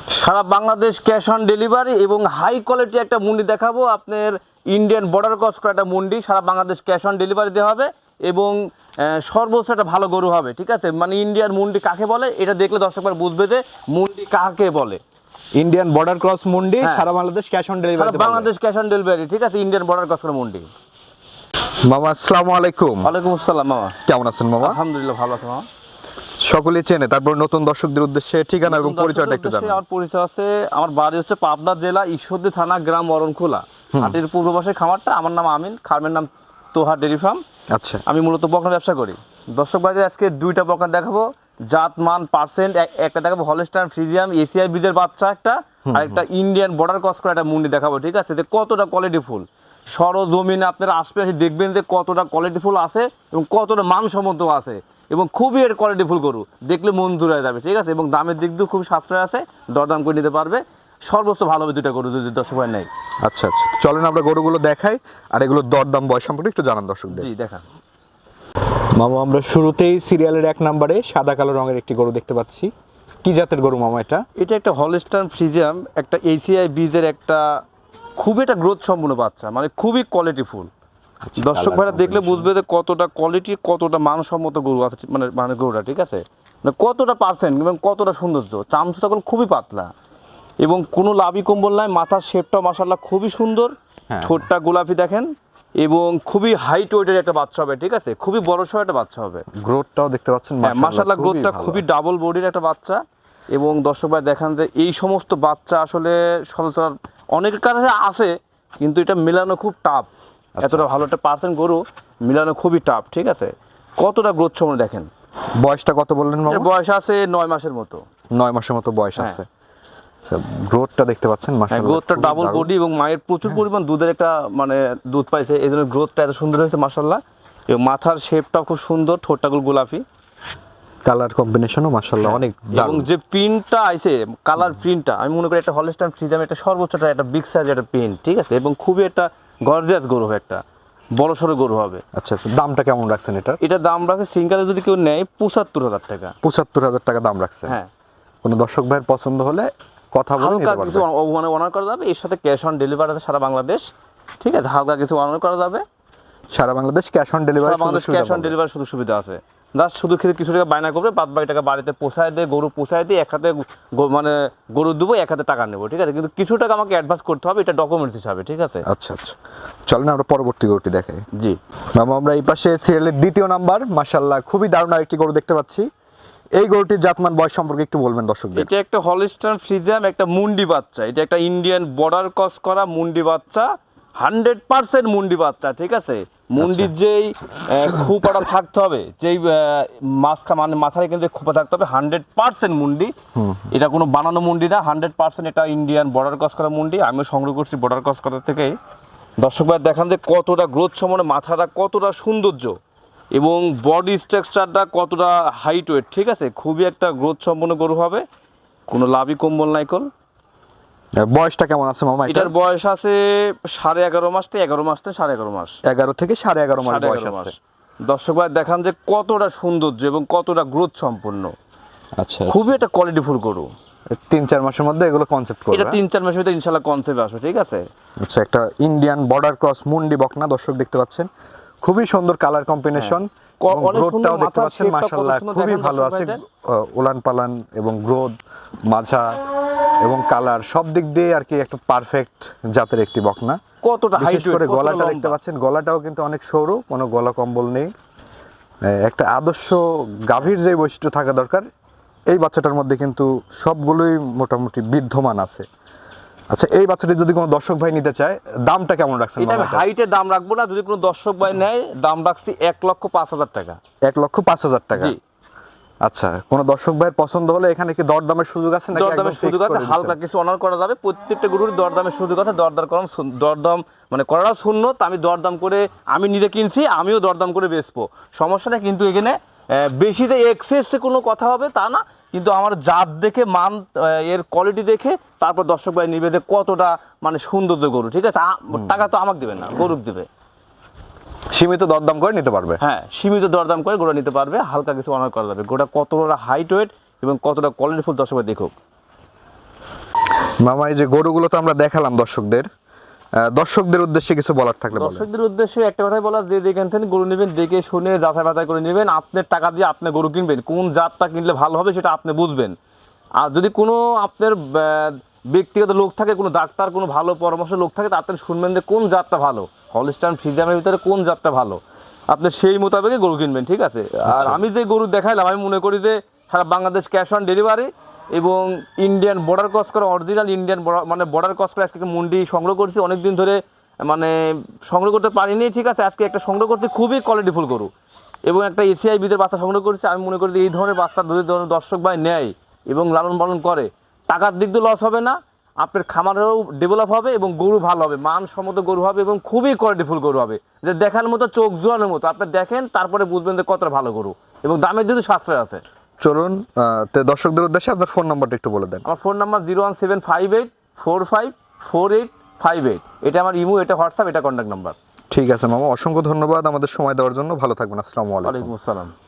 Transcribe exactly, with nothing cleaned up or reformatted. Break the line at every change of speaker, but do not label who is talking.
Sara Bangladesh cash on delivery এবং high quality একটা মুন্ডি দেখাবো। আপনার ইন্ডিয়ান বর্ডার ক্রস করা একটা মুন্ডি, সারা বাংলাদেশ ক্যাশ অন ডেলিভারি দেওয়া হবে এবং সর্বোচ্চ একটা ভালো গরু হবে, ঠিক আছে। মানে ইন্ডিয়ান মুন্ডি কাকে বলে এটা দেখলে দর্শকবার বুঝবে যে মুন্ডি কাকে বলে।
ইন্ডিয়ান বর্ডার ক্রস মুন্ডি, সারা বাংলাদেশ ক্যাশ অন ডেলিভারি,
সারা বাংলাদেশ ক্যাশ অন ডেলিভারি, ঠিক আছে। ইন্ডিয়ান বর্ডার ক্রস করা মুন্ডি।
মামা আসসালামু আলাইকুম।
ওয়ালাইকুম আসসালাম মামা,
কেমন আছেন মামা?
আলহামদুলিল্লাহ ভালো আছি মামা।
সকলেই চেনে, তারপর নতুন দর্শকদের উদ্দেশ্যে ঠিকানা এবং পরিচয়টা একটু জানান।
আমার পরিচয় আছে, আমার বাড়ি হচ্ছে পাবনা জেলা ঈশ্বরদী থানা, গ্রাম অরণখোলা, হাটের পূর্ব পাশে খামারটা। আমার নাম আমিন, খামারের নাম তোহা ডেরি ফার্ম।
আচ্ছা,
আমি মূলত বকনা ব্যবসা করি। দর্শক ভাইদের আজকে দুইটা বকনা দেখাবো, জাত মান পার্সেন্ট। একটা দেখাবো হলস্টাইন ফ্রিজিয়ান এসিআই বীজের বাচ্চা একটা, আর একটা ইন্ডিয়ান বর্ডার ক্রস করা একটা মুন্ডি দেখাবো, ঠিক আছে। যে কতটা কোয়ালিটি ফুল সরজমিনে আপনারা আশপাশে দেখবেন যে কতটা কোয়ালিটি ফুল আছে এবং কতটা মানসম্মত আছে এবং খুবই এর কোয়ালিটি ফুল গরু, দেখলে মন জুড়ে হয়ে যাবে, ঠিক আছে। এবং দামের দিক দিয়েও খুব সাশ্রয় আছে, দরদাম করে নিতে পারবে। সর্বোচ্চ ভালো হবে দুইটা গরু যদি দর্শক ভাই নেই।
আচ্ছা আচ্ছা, চলেন আমরা গরুগুলো দেখাই আর এগুলো দরদাম বয়স সম্পর্কে একটু জানান দর্শকদের।
জি দেখান
মামা, আমরা শুরুতেই সিরিয়ালের এক নম্বরে সাদা কালো রঙের একটি গরু দেখতে পাচ্ছি। কি জাতের গরু মামা এটা?
এটা একটা হলস্টাইন ফ্রিজিয়ান, একটা এসিআই বীজের একটা খুবই একটা গ্রোথ সম্পূর্ণ বাচ্চা, মানে খুবই কোয়ালিটি ফুল। দর্শক ভাইরা দেখলে বুঝবে যে কতটা কোয়ালিটি, কতটা মানসম্মত গরু আছে, মানে মানে গরুটা, ঠিক আছে। মানে কতটা পার্সেন্ট এবং কতটা সৌন্দর্য, চামচু তখন খুবই পাতলা এবং কোনো লাভি কম্বল নাই। মাথার শেপটা মাশাআল্লাহ খুবই সুন্দর, ঠোঁটটা গোলাপি দেখেন এবং খুবই হাইট ওয়েটের একটা বাচ্চা হবে, ঠিক আছে। খুবই বড় সড় একটা বাচ্চা হবে।
গ্রোথটাও দেখতে পাচ্ছেন
মাশাআল্লাহ, গ্রোথটা খুবই ডাবল বডির একটা বাচ্চা। এবং দর্শক ভাই দেখান যে এই সমস্ত বাচ্চা আসলে সচরাচর অনেকের কাছে আছে, কিন্তু এটা মেলানো খুব টাফ। এতটা ভালো একটা পার্সেন্ট গরু মিলানো খুবই টাফ, ঠিক আছে। কতটা গ্রোথ সময় দেখেন।
বয়সটা কত বললেন মামা?
বয়স আছে নয় মাসের মতো।
নয় মাসের মতো বয়স আছে। আচ্ছা, গ্রোথটা দেখতে পাচ্ছেন মাশাআল্লাহ,
গ্রোথটা ডাবল বডি এবং মায়ের প্রচুর পরিমাণ দুধের একটা মানে দুধ পাইছে, এই জন্য গ্রোথটা এত সুন্দর হয়েছে মাশাআল্লাহ। এবং মাথার শেপটাও খুব সুন্দর, ঠোঁটটা গোলাপি,
কালার কম্বিনেশনও মাশাআল্লাহ অনেক
এবং যে প্রিন্টটা আইছে কালার প্রিন্টটা, আমি মনে করি একটা হলস্টাইন ফ্রিজিয়ান একটা সর্বোচ্চটা একটা বিগ সাইজ একটা প্রিন্ট, ঠিক আছে। এবং খুবই একটা গর্জিয়াস গরু হবে, একটা বড় সড়ো গরু হবে।
আচ্ছা আচ্ছা, দামটা কেমন রাখছেন এটা?
এটা দাম রাখছে সিঙ্গেলে যদি কেউ নেয় পঁচাত্তর হাজার টাকা।
পঁচাত্তর হাজার টাকা দাম রাখছেন।
হ্যাঁ,
কোনো দর্শক ভাইয়ের পছন্দ হলে কথা বলে নিতে পারবেন।
কিছু মানে অনার করা যাবে, এর সাথে ক্যাশ অন ডেলিভারি আছে সারা বাংলাদেশ, ঠিক আছে। হালকা কিছু অনার করা যাবে
সারা বাংলাদেশ ক্যাশ অন ডেলিভারি,
সারা বাংলাদেশ ক্যাশ অন ডেলিভারি সুযোগ সুবিধা আছে। জাস্ট শুধু খেতে কিছু টাকা বায়না করবে, বাদ বাকি টাকা বাড়িতে পোষায় দিয়ে গরু পোষায় দিয়ে এক হাতে মানে গরু দেবো, এক হাতে টাকা নেবো, ঠিক আছে। কিন্তু কিছু টাকা আমাকে অ্যাডভান্স করতে হবে, এটা ডকুমেন্টস হিসাবে, ঠিক আছে।
আচ্ছা আচ্ছা, চলেন আমরা পরবর্তী গরুটি দেখাই।
জি
মামা, আমরা এই পাশে সিরিয়ালের দ্বিতীয় নাম্বার মাশাআল্লাহ খুবই দারুণ আরেকটি গরু দেখতে পাচ্ছি। এই গরুটির জাতমান বয়স সম্পর্কে একটু বলবেন দর্শকদের।
এটা একটা হলস্টাইন ফ্রিজিয়ান একটা মুন্ডি বাচ্চা, এটা একটা ইন্ডিয়ান বর্ডার ক্রস করা মুন্ডি বাচ্চা, হান্ড্রেড পার্সেন্ট মুন্ডি বাচ্চা, ঠিক আছে। মুন্ডির যেই খোপাটা থাকতে হবে, যেই মাছখা মানে মাথায় কিন্তু খোপা থাকতে হবে, হান্ড্রেড পার্সেন্ট মুন্ডি। এটা কোনো বানানো মুন্ডি না, হান্ড্রেড পার্সেন্ট এটা ইন্ডিয়ান বর্ডার ক্রস করা মুন্ডি। আমিও সংগ্রহ করছি বর্ডার ক্রস করার থেকেই। দর্শক ভাই দেখান যে কতটা গ্রোথ সম্পন্ন, মাথাটা কতটা সৌন্দর্য এবং বডি স্ট্রাকচারটা কতটা হাইট ওয়েট, ঠিক আছে। খুবই একটা গ্রোথ সম্পন্ন গরু হবে, কোনো লাভি কম্বল নাইকল।
বয়সটা কেমন আছে মামা?
এটার বয়স আছে সাড়ে এগারো মাস থেকে এগারো মাস থেকে সাড়ে এগারো মাস
এগারো থেকে সাড়ে এগারো মাস বয়স আছে।
দর্শক ভাই দেখান যে কতটা সৌন্দর্য এবং কতটা গ্রোথ সম্পন্ন।
আচ্ছা,
খুবই একটা কোয়ালিটিফুল গরু।
তিন চার মাসের মধ্যে এগুলো কনসেপ্ট করবে।
এটা তিন চার মাসের মধ্যে ইনশাআল্লাহ কনসেপ্ট আসবে, ঠিক আছে।
আচ্ছা, একটা ইন্ডিয়ান বর্ডার ক্রস মুন্ডি বকনা দর্শক দেখতে পাচ্ছেন, খুবই সুন্দর কালার কম্বিনেশন। গ্রোথটাও দেখতে পাচ্ছেন মাশাআল্লাহ খুবই ভালো আছে, উলান পালান এবং গ্রোথ মাঝা এবং কালার সব দিক দিয়ে আর কি একটা পারফেক্ট জাতের একটি বকনা।
কতটা হাইট
করে গলাটা দেখতে পাচ্ছেন, গলাটাও কিন্তু অনেক সরু, কোনো গলা কম্বল নেই। একটা আদর্শ গাভীর যে বৈশিষ্ট্য থাকা দরকার এই বাচ্চাটার মধ্যে কিন্তু সবগুলোই মোটামুটি বিদ্যমান আছে। আচ্ছা, এই বাচ্চাটি যদি কোনো দর্শক ভাই নিতে চায় দামটা কেমন রাখছেন?
এটা আমি হাইটের দাম রাখবো না, যদি কোনো দর্শক ভাই নেয় দাম রাখছি এক লক্ষ পাঁচ হাজার টাকা।
এক লক্ষ পাঁচ হাজার টাকা।
জি।
আচ্ছা, কোনো দর্শক ভাইয়ের পছন্দ হলে এখানে কি দরদামের সুযোগ আছে নাকি?
দরদামের সুযোগ আছে, হালকা কিছু অনার করা যাবে। প্রত্যেকটা গরুর দরদামের সুযোগ আছে, দরদার কম দরদাম মানে করাটা শূন্য। তা আমি দরদাম করে আমি নিজে কিনছি, আমিও দরদাম করে বেচবো, সমস্যা নেই। কিন্তু এখানে বেশি যে এক্সেসে কোনো কথা হবে তা না, কিন্তু আমার জাত দেখে মান এর কোয়ালিটি দেখে তারপর দর্শক ভাই নিবে যে কতটা মানে সৌন্দর্য গরু, ঠিক আছে। টাকা তো আমাকে দেবে না, গরুক দেবে।
সীমিত দরদাম করে নিতে পারবে।
হ্যাঁ, সীমিত দরদাম করে গোটা নিতে পারবে, হালকা কিছু অনার করা যাবে। গোটা কতটা হাইট ওয়েট এবং কতটা কোয়ালিটিফুল দর্শক ভাই দেখুক।
মামা এই যে গরুগুলো তো আমরা দেখালাম দর্শকদের, আহ, দর্শকদের উদ্দেশ্যে কিছু বলার থাকলে বলেন।
দর্শকদের উদ্দেশ্যে একটা কথাই বলা, যে যেখান থেকে গরু নেবেন দেখে শুনে যাচাই বাছাই করে নেবেন। আপনার টাকা দিয়ে আপনি গরু কিনবেন, কোন জাতটা কিনলে ভালো হবে সেটা আপনি বুঝবেন। আর যদি কোনো আপনার আহ, ব্যক্তিগত লোক থাকে, কোনো ডাক্তার, কোনো ভালো পরামর্শ লোক থাকে, তা আপনি শুনবেন যে কোন জাতটা ভালো, হলস্টাইন ফ্রিজিয়ানের ভিতরে কোন জাতটা ভালো, আপনি সেই মোতাবেকই গরু কিনবেন, ঠিক আছে? আর আমি যে গরু দেখাইলাম, আমি মনে করি যে সারা বাংলাদেশ ক্যাশ অন ডেলিভারি এবং ইন্ডিয়ান বর্ডার ক্রস করা, অরিজিনাল ইন্ডিয়ান মানে বর্ডার ক্রস করে আজকে মুন্ডি সংগ্রহ করছি অনেক দিন ধরে, মানে সংগ্রহ করতে পারিনি, ঠিক আছে? আজকে একটা সংগ্রহ করছি, খুবই কোয়ালিটিফুল গরু এবং একটা এসিআই বিদের বাচ্চা সংগ্রহ করেছি। আমি মনে করি যে এই ধরনের বাচ্চা যদি ধরনের দর্শক ভাই নেয় এবং লালন পালন করে, টাকার দিক দিয়ে লস হবে না, আপনার খামারেও ডেভেলপ হবে এবং গরু ভালো হবে, মানসম্মত গরু হবে এবং খুবই কোয়ালিটিফুল গরু হবে, যে দেখার মতো, চোখ জোড়ানোর মতো। আপনি দেখেন তারপরে বুঝবেন যে কতটা ভালো গরু এবং দামের দিকে সাশ্রয় আছে।
চলুন আহ, তো দর্শকদের উদ্দেশ্যে আপনার ফোন নাম্বারটা একটু বলে দেন।
আমার phone number zero one seven five eight four five four eight five eight, এটা আমার ইমো, এটা হোয়াটসঅ্যাপ, এটা কন্ট্যাক্ট নাম্বার।
ঠিক আছে মামা, অসংখ্য ধন্যবাদ আমাদের সময় দেওয়ার জন্য। ভালো থাকবেন। আসসালামু আলাইকুম।
ওয়ালাইকুম আসসালাম।